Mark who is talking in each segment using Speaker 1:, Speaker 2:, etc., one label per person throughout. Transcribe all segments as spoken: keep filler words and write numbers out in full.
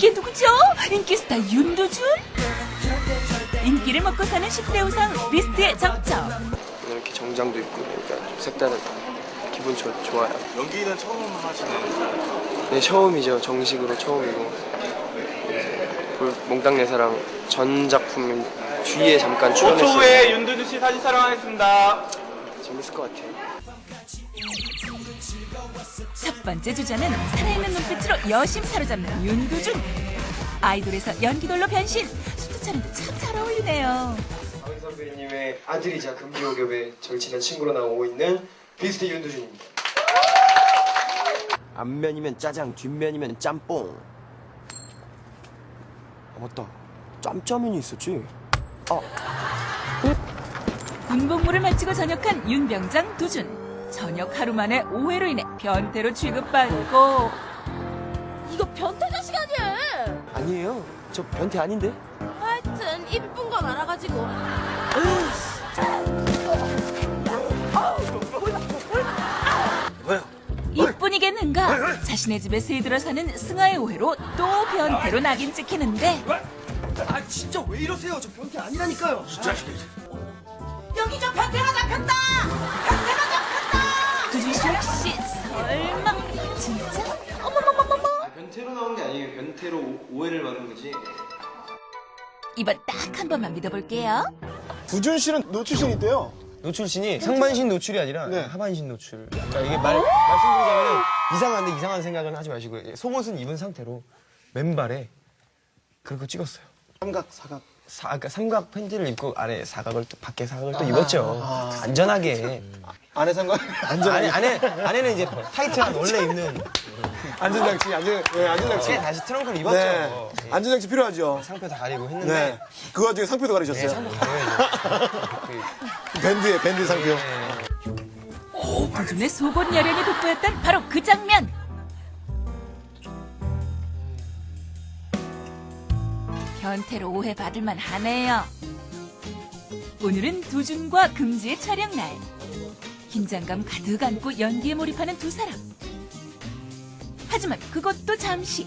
Speaker 1: 이게 누구죠? 인기스타 윤두준? 인기를 먹고 사는 십 대 우상 비스트의 적적.
Speaker 2: 이렇게 정장도 입고 그러니까 좀 색다른 기분 좋, 좋아요.
Speaker 3: 연기는 처음 하시는?
Speaker 2: 네, 처음이죠. 정식으로 처음이고 그 몽땅 내 사랑 전 작품 뒤에 잠깐 출연했어요.
Speaker 3: 오 초 후에 윤두준 씨 사진 촬영하겠습니다.
Speaker 2: 재밌을 것 같아요.
Speaker 1: 첫 번째 주자는 살아있는 눈빛으로 여심 사로잡는 윤두준. 아이돌에서 연기돌로 변신. 수트 차림도 참 잘 어울리네요.
Speaker 2: 박은 선배님의 아들이자 금기호겹의 절친한 친구로 나오고 있는 비스트 윤두준입니다.
Speaker 4: 앞면이면 짜장, 뒷면이면 짬뽕. 아, 맞다. 짬짜면이 있었지. 아.
Speaker 1: 군복무를 마치고 전역한 윤병장 두준. 전역 하루 만에 오해로 인해 변태로 취급받고.
Speaker 5: 이거 변태 자식 아니야?
Speaker 4: 아니에요. 저 변태 아닌데?
Speaker 5: 하여튼 이쁜 건 알아가지고.
Speaker 1: 이뿐이겠는가? 자신의 집에 새들어 사는 승아의 오해로 또 변태로 낙인 찍히는데.
Speaker 4: 아 진짜 왜 이러세요? 저 변태 아니라니까요.
Speaker 5: 여기 저 변태가 잡혔다! 변태가 잡혔다!
Speaker 1: 두준 씨 혹시 설마 진짜? 어머머머머머.
Speaker 2: 아, 변태로 나온 게 아니에요. 변태로 오, 오해를 받은 거지.
Speaker 1: 이번 딱 한 번만 믿어볼게요.
Speaker 6: 두준 씨는 노출신 있대요.
Speaker 4: 노출신이 상반신 노출이 아니라
Speaker 6: 네.
Speaker 4: 하반신 노출. 그러니까 이게 말, 말씀드리자면 이상한데 이상한 생각은 하지 마시고 속옷은 입은 상태로 맨발에 그렇게 찍었어요.
Speaker 6: 삼각, 사각.
Speaker 4: 사, 그러니까 삼각 팬티를 입고 아래 사각을 또 밖에 사각을 또 입었죠. 안전하게.
Speaker 6: 안에 삼각,
Speaker 4: 안에 안에 안에는 이제 타이트한 원래 입는.
Speaker 6: 안전장치, 안전, 네, 안전장치.
Speaker 4: 이제 다시 트렁크를 입었죠.
Speaker 6: 네. 안전장치 필요하죠.
Speaker 4: 상표 다 가리고 했는데.
Speaker 6: 네. 그 와중에 상표도
Speaker 4: 네,
Speaker 6: 가리셨어요.
Speaker 4: 상표 가려야죠.
Speaker 6: 밴드에, 밴드 상표.
Speaker 1: 두준의 속옷 여령이 돋보였던 바로 그 장면. 변태로 오해받을만 하네요. 오늘은 두준과 금지의 촬영날. 긴장감 가득 안고 연기에 몰입하는 두 사람. 하지만 그것도 잠시.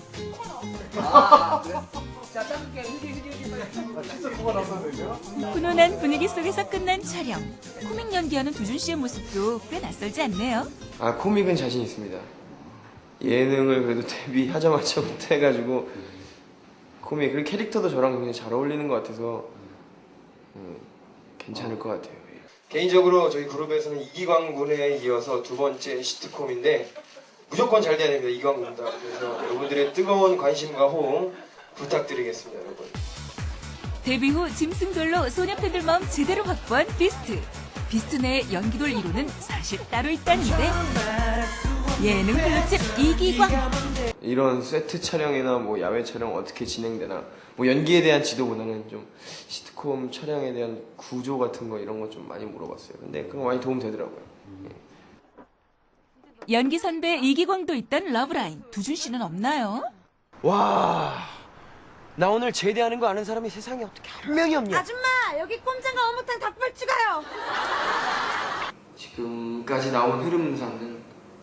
Speaker 1: 훈훈한 분위기 속에서 끝난 촬영. 코믹 연기하는 두준 씨의 모습도 꽤 낯설지 않네요.
Speaker 2: 아, 코믹은 자신 있습니다. 예능을 그래도 데뷔하자마자부터 해가지고 코믹, 그리고 캐릭터도 저랑 굉장히 잘 어울리는 것 같아서 음, 괜찮을 것 같아요. 개인적으로 저희 그룹에서는 이기광 군에 이어서 두 번째 시트콤인데 무조건 잘 돼야 됩니다. 이기광 군다. 그래서 여러분들의 뜨거운 관심과 호응 부탁드리겠습니다, 여러분.
Speaker 1: 데뷔 후 짐승돌로 소녀 팬들 마음 제대로 확보한 비스트. 비스트 내의 연기돌 일 호는 사실 따로 있다는데 예능 블루칩 이기광.
Speaker 2: 이런 세트 촬영이나 뭐 야외 촬영 어떻게 진행되나 뭐 연기에 대한 지도보다는 좀 시트콤 촬영에 대한 구조 같은 거 이런 거 좀 많이 물어봤어요. 근데 그런 거 많이 도움 되더라고요.
Speaker 1: 연기 선배 이기광도 있던 러브라인. 두준 씨는 없나요?
Speaker 4: 와, 나 오늘 제대하는 거 아는 사람이 세상에 어떻게 한 명이 없냐?
Speaker 5: 아줌마, 여기 꼼장과 어묵탕 닭발 추가요.
Speaker 2: 지금까지 나온 흐름상은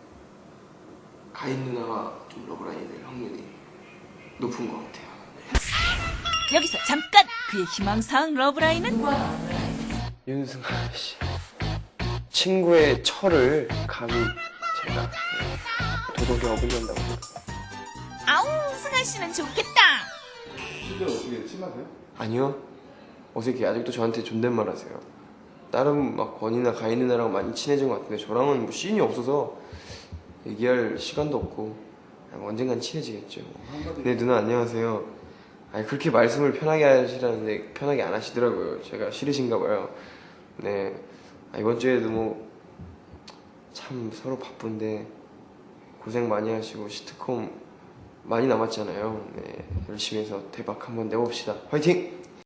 Speaker 2: 가인 누나가 좀 러브라인이 될 확률이 높은 것 같아요.
Speaker 1: 여기서 잠깐 그의 희망사항 러브라인은
Speaker 2: 윤승아 씨 친구의 철을 감히 제가 도덕에 어긋난다고.
Speaker 1: 아우 승아 씨는 좋겠다.
Speaker 3: 실제로 어떻게 친하세요?
Speaker 2: 아니요. 어색해. 아직도 저한테 존댓말 하세요. 다른 막 권이나 가인 누나랑 많이 친해진 것 같은데 저랑은 뭐 씬이 없어서 얘기할 시간도 없고 그냥 언젠간 친해지겠죠. 네 누나 안녕하세요. 아니 그렇게 말씀을 편하게 하시라는데 편하게 안 하시더라고요. 제가 싫으신가 봐요. 네. 아, 이번 주에도 뭐 참 서로 바쁜데 고생 많이 하시고 시트콤 많이 남았잖아요. 네. 열심히 해서 대박 한번 내봅시다. 화이팅!